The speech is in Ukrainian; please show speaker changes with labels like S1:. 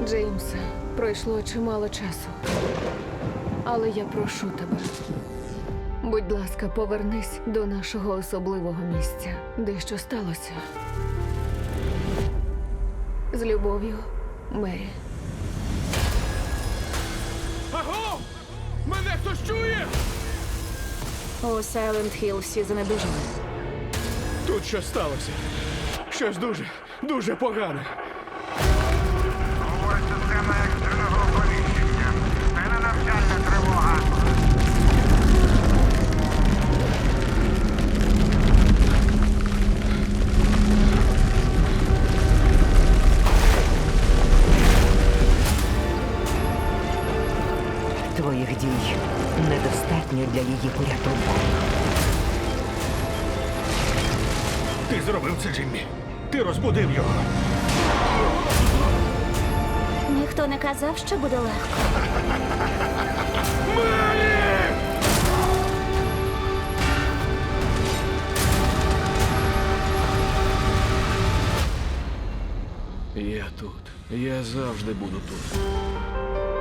S1: Джеймсе, пройшло чимало часу. Але я прошу тебе. Будь ласка, повернись до нашого особливого місця. Дещо сталося. З любов'ю, Мері.
S2: Аго! Мене хтось чує?
S3: У Сайленд Хілл всі занедужали.
S2: Тут щось сталося. Щось дуже погане.
S4: Говорить система екстреного оповіщення. Це не навчальна тривога.
S5: Твоїх дій недостатньо для її порятунку.
S2: Ти зробив це, Джиммі. Ти розбудив його.
S3: Ніхто не казав, що буде легко.
S2: Я тут. Я завжди буду тут.